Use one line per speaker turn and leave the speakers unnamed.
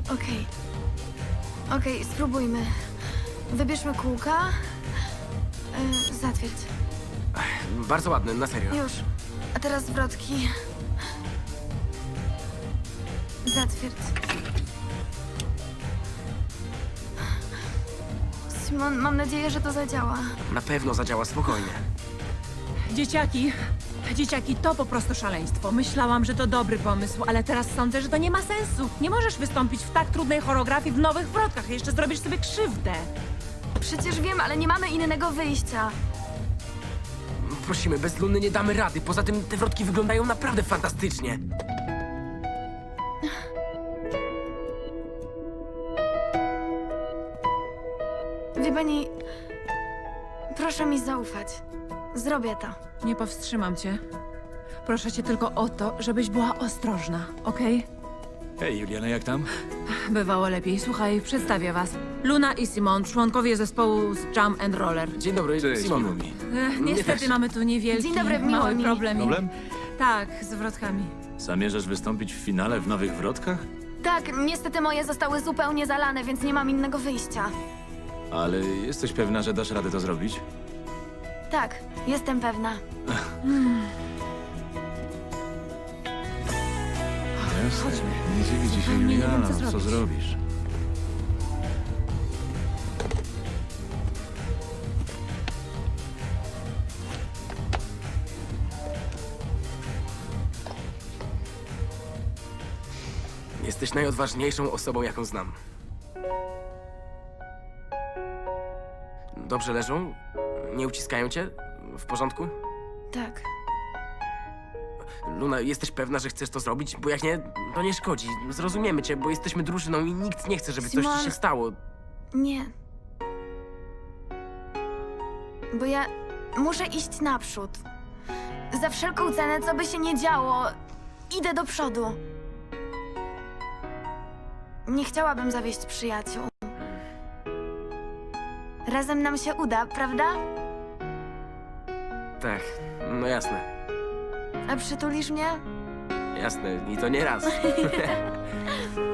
Okej. Okej, spróbujmy. Wybierzmy kółka. Zatwierdź.
Bardzo ładny, na serio.
Już. A teraz zwrotki. Zatwierdź. Simon, mam nadzieję, że to zadziała.
Na pewno zadziała, spokojnie.
Dzieciaki, to po prostu szaleństwo. Myślałam, że to dobry pomysł, ale teraz sądzę, że to nie ma sensu. Nie możesz wystąpić w tak trudnej choreografii w nowych wrotkach. Jeszcze zrobisz sobie krzywdę.
Przecież wiem, ale nie mamy innego wyjścia.
Prosimy, bez Luny nie damy rady. Poza tym te wrotki wyglądają naprawdę fantastycznie.
Wie pani, proszę mi zaufać. Zrobię to.
Nie powstrzymam cię. Proszę cię tylko o to, żebyś była ostrożna, okej?
Hej, Juliana, jak tam?
Bywało lepiej. Słuchaj, przedstawię was. Luna i Simon, członkowie zespołu z Jump and Roller.
Dzień dobry,
Cześć,
Simon.
miło mi.
Niestety
też.
mamy tu niewielki,
Dzień dobry, miło
mały
mi.
problem.
Problem?
Tak, z wrotkami.
Zamierzasz wystąpić w finale w Nowych Wrotkach?
Tak, niestety moje zostały zupełnie zalane, więc nie mam innego wyjścia.
Ale jesteś pewna, że dasz radę to zrobić?
Tak, jestem pewna.
Jasne. Nie dziwi ci się,
Nie wiem,
Juliana.
co
Co
zrobić.
zrobisz?
Jesteś najodważniejszą osobą, jaką znam. Dobrze leżą? Nie uciskają cię? W porządku?
Tak.
Luna, jesteś pewna, że chcesz to zrobić? Bo jak nie, to nie szkodzi. Zrozumiemy cię, bo jesteśmy drużyną i nikt nie chce, żeby coś
Simon.
ci się stało.
Nie. Bo ja muszę iść naprzód. Za wszelką cenę, co by się nie działo, idę do przodu. Nie chciałabym zawieść przyjaciół. Razem nam się uda, prawda?
Tak, no jasne.
A przytulisz mnie?
Jasne, i to nie raz.